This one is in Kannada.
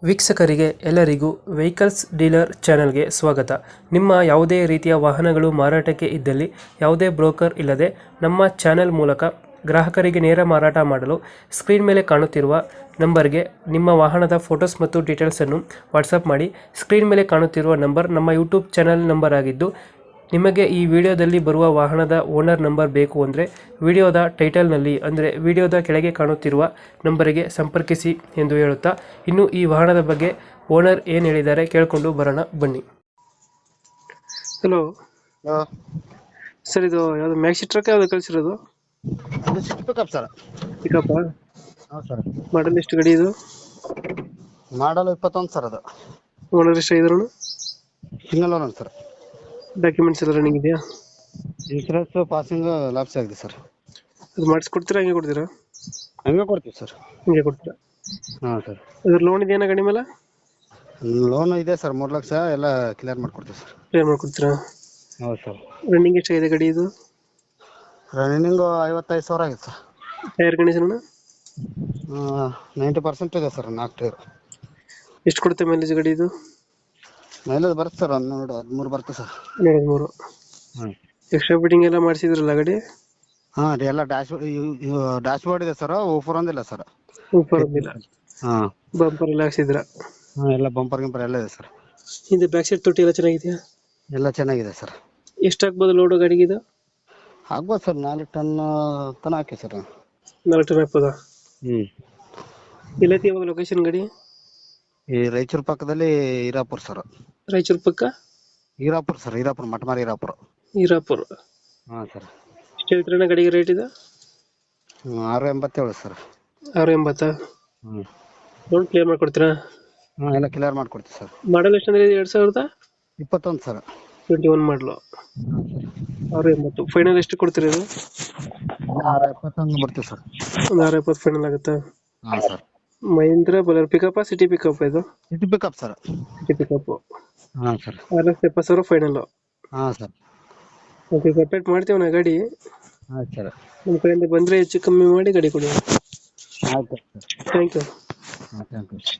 ವೀಕ್ಷಕರಿಗೆ ಎಲ್ಲರಿಗೂ ವೆಹಿಕಲ್ಸ್ ಡೀಲರ್ ಚಾನೆಲ್ಗೆ ಸ್ವಾಗತ. ನಿಮ್ಮ ಯಾವುದೇ ರೀತಿಯ ವಾಹನಗಳು ಮಾರಾಟಕ್ಕೆ ಇದ್ದಲ್ಲಿ ಯಾವುದೇ ಬ್ರೋಕರ್ ಇಲ್ಲದೆ ನಮ್ಮ ಚಾನೆಲ್ ಮೂಲಕ ಗ್ರಾಹಕರಿಗೆ ನೇರ ಮಾರಾಟ ಮಾಡಲು ಸ್ಕ್ರೀನ್ ಮೇಲೆ ಕಾಣುತ್ತಿರುವ ನಂಬರ್ಗೆ ನಿಮ್ಮ ವಾಹನದ ಫೋಟೋಸ್ ಮತ್ತು ಡೀಟೇಲ್ಸನ್ನು ವಾಟ್ಸಪ್ ಮಾಡಿ. ಸ್ಕ್ರೀನ್ ಮೇಲೆ ಕಾಣುತ್ತಿರುವ ನಂಬರ್ ನಮ್ಮ ಯೂಟ್ಯೂಬ್ ಚಾನೆಲ್ ನಂಬರ್ ಆಗಿದ್ದು, ನಿಮಗೆ ಈ ವಿಡಿಯೋದಲ್ಲಿ ಬರುವ ವಾಹನದ ಓನರ್ ನಂಬರ್ ಬೇಕು ಅಂದರೆ ವಿಡಿಯೋದ ಟೈಟಲ್ನಲ್ಲಿ ಅಂದರೆ ವಿಡಿಯೋದ ಕೆಳಗೆ ಕಾಣುತ್ತಿರುವ ನಂಬರಿಗೆ ಸಂಪರ್ಕಿಸಿ ಎಂದು ಹೇಳುತ್ತಾ, ಇನ್ನು ಈ ವಾಹನದ ಬಗ್ಗೆ ಓನರ್ ಏನು ಹೇಳಿದ್ದಾರೆ ಕೇಳಿಕೊಂಡು ಬರೋಣ ಬನ್ನಿ. ಹಲೋ ಹಲೋ ಸರ್, ಇದು ಯಾವುದು ಮ್ಯಾಕ್ಸಿ ಟ್ರಕ್ ಯಾವುದು ಕಳಿಸಿರೋದು? ಇದು ಸಿಕ್ಸ್ ಪಿಕಪ್ ಸರ್. ಪಿಕಪ್ ಹೌದು ಸರ್. ಮಾಡಲ್ ಎಷ್ಟು ಗಡಿ ಇದು? ಮಾಡಲ್ 21 ಸರ್. ಅದು ಓನರ್ ಎಷ್ಟು ಇದ್ರು? Single owner sir. ಡಾಕ್ಯುಮೆಂಟ್ಸ್ ಎಲ್ಲ ರನ್ನಿಂಗ್ ಇದೆಯಾ? ಇನ್ಸೂರೆನ್ಸ್ ಪಾಸಿಂಗ್ ಲ್ಯಾಪ್ಸ್ ಆಗಿದೆ ಸರ್. ಅದು ಮಾಡಿಸ್ಕೊಡ್ತೀರಾ ಹಂಗೆ ಕೊಡ್ತೀರಾ? ಹಂಗೆ ಕೊಡ್ತೀವಿ ಸರ್. ಹಂಗೆ ಕೊಡ್ತೀರಾ? ಹಾಂ ಸರ್. ಅದ್ರ ಲೋನ್ ಇದೆಯಾ ಗಾಡಿ ಮೇಲೆ? ಲೋನ್ ಇದೆ ಸರ್, 3 ಲಕ್ಷ ಎಲ್ಲ ಕ್ಲಿಯರ್ ಮಾಡ್ಕೊಡ್ತೀವಿ ಸರ್. ಕ್ಲಿಯರ್ ಮಾಡ್ಕೊಡ್ತೀರಾ? ಹೌದು ಸರ್. ರನ್ನಿಂಗ್ ಎಷ್ಟಾಗಿದೆ ಗಾಡಿ ಇದು? ರನ್ನಿಂಗು 55,000 ಆಗಿದೆ ಸರ್. ಟೈರ್ ಕಂಡೀಷನ್ 90% ಇದೆ ಸರ್. 4 ಟೈರ್. ಎಷ್ಟು ಕೊಡುತ್ತೆ ಮೈಲೇಜ್ ಗಾಡಿ ಇದು? ಮೈಲೇಜ್ ಬರುತ್ತೆ ಸರ್, 13 ಬರುತ್ತೆ ಸರ್. 13. ಹ್ಞೂ. ಎಕ್ಸ್ಟ್ರಾ ಫಿಟ್ಟಿಂಗ್ ಎಲ್ಲ ಮಾಡಿಸಿದ್ರಲ್ಲ ಗಾಡಿ? ಹಾಂ ರೀ, ಎಲ್ಲ ಡ್ಯಾಶ್ ಬೋರ್ಡ್ ಇದೆ ಸರ್. ಓಫರ್ ಒಂದಿಲ್ಲ ಸರ್. ಸೂಪರ್ ಒಂದಿಲ್ಲ. ಹಾಂ. ಬಂಪರ್ ಎಲ್ಲ ಹಾಕ್ಸಿದ್ರ? ಹಾಂ, ಎಲ್ಲ ಬಂಪರ್ ಗಿಂಪರ್ ಎಲ್ಲ ಇದೆ ಸರ್. ಹಿಂದೆ ಬ್ಯಾಕ್ ಸೈಡ್ ತೊಟ್ಟಿ ಎಲ್ಲ ಚೆನ್ನಾಗಿದೆಯಾ? ಎಲ್ಲ ಚೆನ್ನಾಗಿದೆ ಸರ್. ಎಷ್ಟು ಹಾಕ್ಬೋದು ಲೋಡು ಗಾಡಿಗೆ ಇದು? ಆಗ್ಬೋದು ಸರ್, 4 ಟನ್ ತನಕ ಹಾಕಿ ಸರ್. 4 ಟನ್ ಹಾಕ್ಬೋದಾ? ಹ್ಞೂ. ಎಲ್ಲೈತಿ ಇವಾಗ ಲೊಕೇಶನ್ ಗಾಡಿ? ಈ ರಾಯಚೂರು ಪಕ್ಕದಲ್ಲಿ ಹೀರಾಪುರ ಸರ್. ರಾಯಚೂರು ಪಕ್ಕ ಹೀರಾಪುರ ಸರ್. ಹೀರಾಪುರ, ಮಟಮಾರಿ ಹೀರಾಪುರ. ಹೀರಾಪುರ. ಹಾಂ ಸರ್. ಎಷ್ಟು ಹೇಳ್ತೀರಣ್ಣ ಗಾಡಿಗೆ ರೇಟ್ ಇದೆ? 687 ಸರ್. 680. ಹ್ಞೂ. ಲೋನ್ ಕ್ಲಿಯರ್ ಮಾಡ್ಕೊಡ್ತೀರಾ? ಹಾಂ, ಎಲ್ಲ ಕ್ಲಿಯರ್ ಮಾಡ್ಕೊಡ್ತೀವಿ ಸರ್. ಮಾಡಲ್ ಎಷ್ಟು ಅಂದ್ರೆ 2021 ಸರ್. 21 ಮಾಡಲು. 680 ಫೈನಲ್ ಎಷ್ಟು ಕೊಡ್ತೀರಾ ಇದು? 670 ಬರ್ತೀವಿ ಸರ್. ಒಂದು 670 ಫೈನಲ್ ಆಗುತ್ತಾ? ಹಾಂ sir. Mahindra Bolero pickup city pickup ಇದು? City pickup sir. City pickup. ಹಾಂ ಸರ್. 670,000 ಫೈನಲ್. ಹಾಂ ಸರ್. ಓಕೆ, ಕಂಪ್ಲೀಟ್ ಮಾಡ್ತೀವಿ ನಾ ಗಾಡಿ. ಆಯ್ತು ಸರ್. ನಮ್ಮ ಕಡೆಯಿಂದ ಬಂದರೆ ಹೆಚ್ಚು ಕಮ್ಮಿ ಮಾಡಿ ಗಾಡಿ ಕೊಡಿ. ಆಯ್ತು ಸರ್. Thank you. ಹಾಂ, ಥ್ಯಾಂಕ್ ಯು.